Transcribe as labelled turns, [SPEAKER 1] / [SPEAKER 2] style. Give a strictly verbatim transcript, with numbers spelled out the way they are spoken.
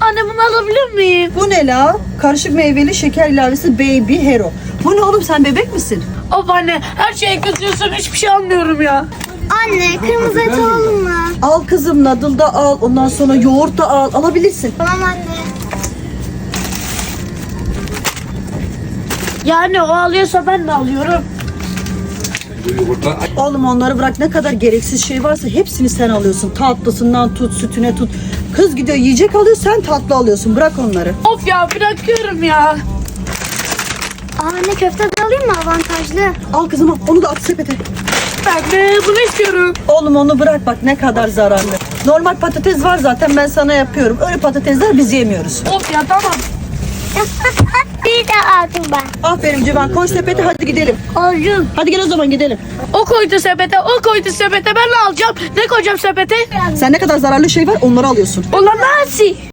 [SPEAKER 1] Anne bunu alabilir miyim?
[SPEAKER 2] Bu ne la? Karışık meyveli şeker ilavesi Baby Hero. Bu ne oğlum, sen bebek misin?
[SPEAKER 1] Of anne, her şeye kızıyorsun, hiçbir şey anlıyorum ya.
[SPEAKER 3] Anne kırmızı et alalım mı?
[SPEAKER 2] Al kızım, nadıl da al. Ondan sonra yoğurt da al. Alabilirsin.
[SPEAKER 3] Tamam anne.
[SPEAKER 1] Yani o alıyorsa ben de alıyorum.
[SPEAKER 2] Oğlum onları bırak, ne kadar gereksiz şey varsa hepsini sen alıyorsun. Tatlısından tut, sütüne tut. Kız gidiyor yiyecek alıyor, sen tatlı alıyorsun. Bırak onları.
[SPEAKER 1] Of ya, bırakıyorum ya.
[SPEAKER 3] Aa, anne köfte de alayım mı, avantajlı?
[SPEAKER 2] Al kızım al, onu da at sepete.
[SPEAKER 1] Ben de bunu istiyorum.
[SPEAKER 2] Oğlum onu bırak, bak ne kadar zararlı. Normal patates var zaten, ben sana yapıyorum. Öyle patatesler biz yemiyoruz.
[SPEAKER 1] Of ya, tamam.
[SPEAKER 3] Bir de aldım ben.
[SPEAKER 2] Aferin Civan, koy sepete, hadi gidelim.
[SPEAKER 1] Alacağım.
[SPEAKER 2] Hadi gel o zaman gidelim.
[SPEAKER 1] O koydu sepete, o koydu sepete. Ben de alacağım. Ne koyacağım sepete?
[SPEAKER 2] Sen ne kadar zararlı şey var onları alıyorsun.
[SPEAKER 1] Olamaz.